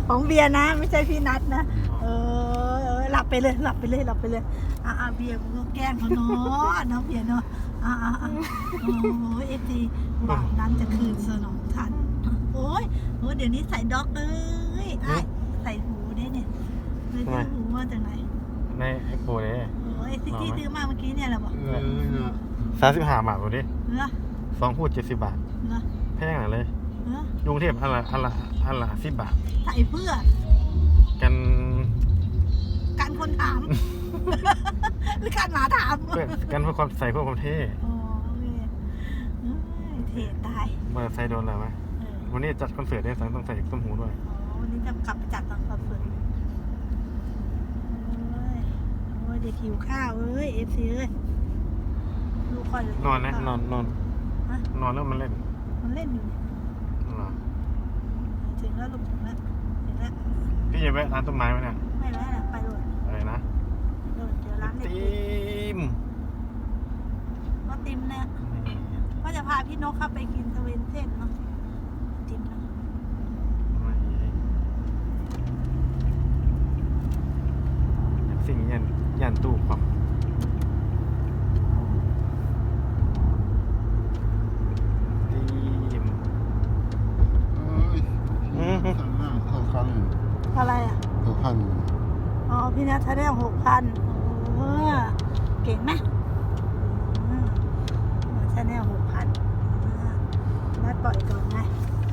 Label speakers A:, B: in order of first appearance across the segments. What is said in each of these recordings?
A: ของเบียร์นะไม่ใช่พี่นัทนะหลับไปเลยหลับไปเลยหลับไปเลยเบียร์มึงก็แกล้งเขาเนาะน้องเบียร์เนาะโอ้ยFT หวังนั้นจะคืนสนองทันโอ้ยเดี๋ยวนี้ใส่ด็อกใส่หูได้เนี่ยเลยซื้อหูมาจากไหน
B: ในไอโฟนเนี่ย
A: โอ้ยที่ซื้อมาเมื่อกี้เนี่ยแหละบอก
B: 35 บาทดูดิ2 พูด 70 บาทแพงหน่อยเลยกรุงเทพอันละ10 บาท
A: ใส่เพื่อ
B: กัน
A: คนถามหรือการหมาถาม
B: กันเพื่อความใส่เพื่อความเท่
A: เท่ตาย
B: มาใส่โดนอะไรไหมวันนี้จัดคอนเสิร์ตได้ต้องใส่ต้มหูด้วย
A: วันนี้จะกลับไปจัดตอนคอนเสิร์ตโอ้ยเด็กหิวข้าวFC ลูกคอย
B: นอนนะนอนแล้วมันเล่น
A: อยู่ถึงแล้วลูกถึงแล้ว
B: พี่จะแวะร้านต้นไม้ไหมเนี่ย
A: ไม่แวะนะไปเลย
B: อะไรนะ
A: เดี๋ยวร้าน
B: ติม
A: ก็ติมเนี่ยว่าจะพาพี่นกเข้าไปกินสเวนเซ่นเนาะติมเนาะ
B: สิ่งยันตู้ความ
A: อะไรอ่ะ
C: 6,000
A: อ๋อพี่นัทได้6,000เก่งไหมชาแนล6,000นัดปล่อยก่อนไง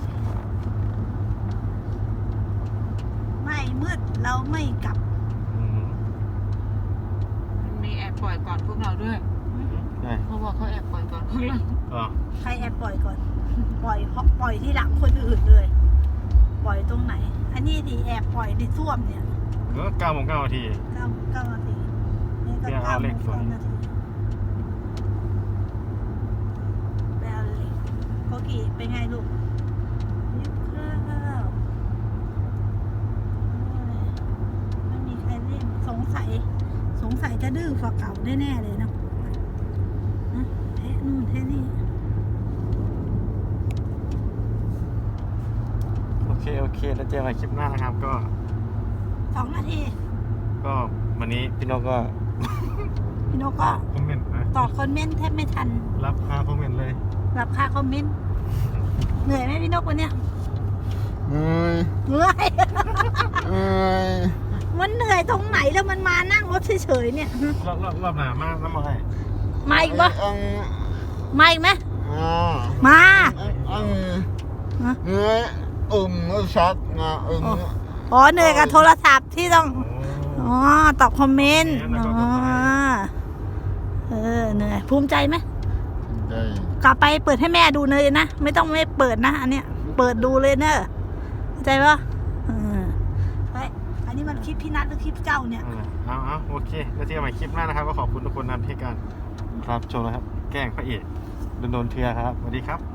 A: ไม่มืดเราไม่กลับ
D: มีแอบปล่อยก่อนพวกเราด้วยเขาบอกเขาแอบปล่อยก่อนพวกเรา
A: ใครแอบปล่อยก่อนปล่อยที่หลังคนอื่นเลยปล่อยตรงไหนอันนี้ที่แอบปล่อยในส้วมเนี่ย
B: 9 โมง 9 นาที
A: 9 นาทีนี่ก็9 โมง 9 นาทีแปลเล็กโกกีเป็นไงลูกไม่มีใครเล่นสงสัยจะดื้อกว่าเก่าแน่ๆเลยเนาะแท้นู่นแท้นี่
B: โอเคแล้วเจอกันคลิปหน้านะครับก็
A: 2 นาที
B: ก็วันนี้พี่นกก็คอมเมนต์
A: ตอบคอมเมนต์แทบไม่ทัน
B: รับค่าคอมเมนต์เลย
A: รับค่าคอมเมนต์เหนื่อยไหมพี่นกวันเนี้ย
C: เหนื่อย
A: มันเหนื่อยตรงไหนแล้วมันมานั่งรถเฉยๆเนี่ย
B: รอบหนามากน้ำอะไร
A: มาอีกปะมาอีกไหมมา
C: เหนื่อยชัดนะ
A: เหนื่อยกับโทรศัพท์ที่ต้องตอบคอมเมนต์เหนื่อยภูมิใจไหมกลับไปเปิดให้แม่ดูเลยนะไม่ต้องไม่เปิดนะอันเนี้ยเปิดดูเลยเนอะเข้าใจปะอันนี้มันคลิปพี่นัทหรือคลิปเจ้าเนี่ย
B: โอเคแล้วเจอกันใหม่คลิปหน้านะครับก็ขอบคุณทุกคนนะที่การรับชมนะครับแกล้งพระเอกโดนเทือครับสวัสดีครับ